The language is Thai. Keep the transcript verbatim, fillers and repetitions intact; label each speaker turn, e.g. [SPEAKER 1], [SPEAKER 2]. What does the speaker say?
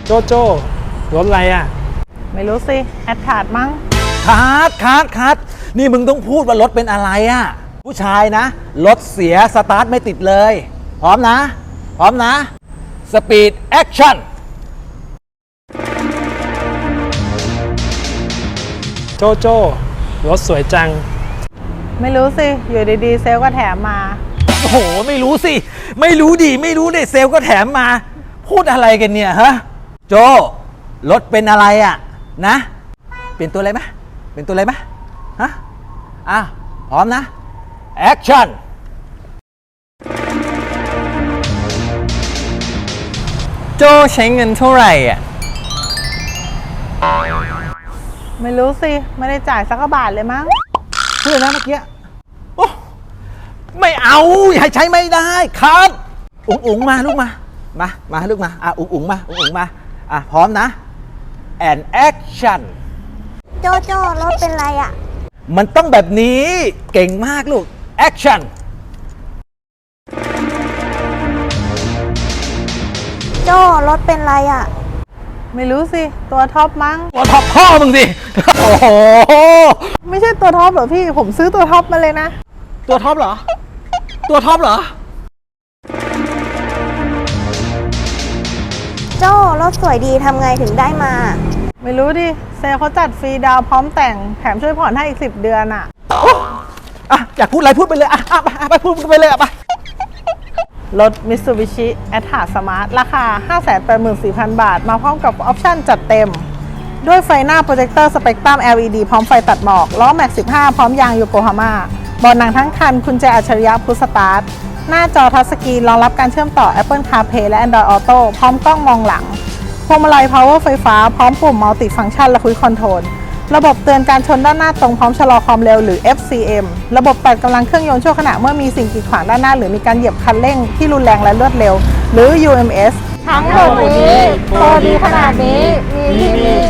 [SPEAKER 1] โจโจ้รถอะไรอ่ะ
[SPEAKER 2] ไม่รู้สิแอดถาดมั้ง
[SPEAKER 3] คัดคัดคัดนี่มึงต้องพูดว่ารถเป็นอะไรอ่ะผู้ชายนะรถเสียสตาร์ทไม่ติดเลยพร้อมนะพร้อมนะสปีดแอคชั่น
[SPEAKER 1] โจโจ้รถสวยจัง
[SPEAKER 2] ไม่รู้สิอยู่ดีๆเซลก็แถมมา
[SPEAKER 3] โอ้โหไม่รู้สิไม่รู้ดิไม่รู้เนี่ยเซลก็แถมมาพูดอะไรกันเนี่ยฮะโจรถเป็นอะไรอ่ะนะเปลี่ยนตัวอะไรไหมเปลี่ยนตัวอะไรไหมฮะอ่ะพร้อมนะแอคชั่น
[SPEAKER 4] โจใช้เงินเท่าไหร่อ่ะ
[SPEAKER 2] ไม่รู้สิไม่ได้จ่ายสักบาทเลยมั้ง
[SPEAKER 3] เพื่อนนะเมื่อกี้โอ้ไม่เอาให้ใช้ไม่ได้ครับอุ๋งอุ๋งมาลูกมามามาลูกมาอ่ะอุ๋งอุ๋งมาอุ๋งอุ๋งมาอ่ะพร้อมนะ and action
[SPEAKER 5] โจโจ้รถเป็นไรอ่ะ
[SPEAKER 3] มันต้องแบบนี้เก่งมากลูก action
[SPEAKER 5] โจรถเป็นไรอ่ะ
[SPEAKER 2] ไม่รู้สิตัวท็อปมั้ง
[SPEAKER 3] ตัวท็อปพ่อมึงสิโอ้โห
[SPEAKER 2] ไม่ใช่ตัวท็อปเหรอพี่ผมซื้อตัวท็อปมาเลยนะ
[SPEAKER 3] ตัวท็อปเหรอตัวท็อปเหรอ
[SPEAKER 5] โจรถสวยดีทำไงถึงได้มา
[SPEAKER 2] ไม่รู้ดิเซลเขาจัดฟรีดาวพร้อมแต่งแถมช่วยผ่อนให้อีกสิบเดือนอ่ะ
[SPEAKER 3] อ่ะอยากพูดอะไรพูดไปเลยอ่ะไปไปพูดไปเลยอ่ะไป
[SPEAKER 2] รถ Mitsubishi a t t r a Smart ราคา ห้าแสนแปดหมื่นสี่พัน บาทมาพร้อมกับออปชั่นจัดเต็มด้วยไฟหน้าโปรเจคเตอร์สเปกตรัม แอล อี ดี พร้อมไฟตัดหมอกล้อแม็กสิบห้าพร้อมยางโยโกฮาม่าเบาะหนังทั้งคันกุญแจอัจฉริยะพุชสตาร์ทหน้าจอทัชสกรีนรองรับการเชื่อมต่อ Apple CarPlay และ Android Auto พร้อมกล้องมองหลังพวงมาลัย Power ไฟฟ้าพร้อมปุ่ม Multi Function และ Cruise Control ระบบเตือนการชนด้านหน้าตรงพร้อมชะลอความเร็วหรือ เอฟ ซี เอ็ม ระบบตัดกำลังเครื่องยนต์ชั่วขณะเมื่อมีสิ่งกีดขวางด้านหน้าหรือมีการเหยียบคันเร่งที่รุนแรงและรวดเร็วหรือ ยู เอ็ม เอส
[SPEAKER 5] ทั้งหมดนี้โปรดีขนาดนี้มีที่นี่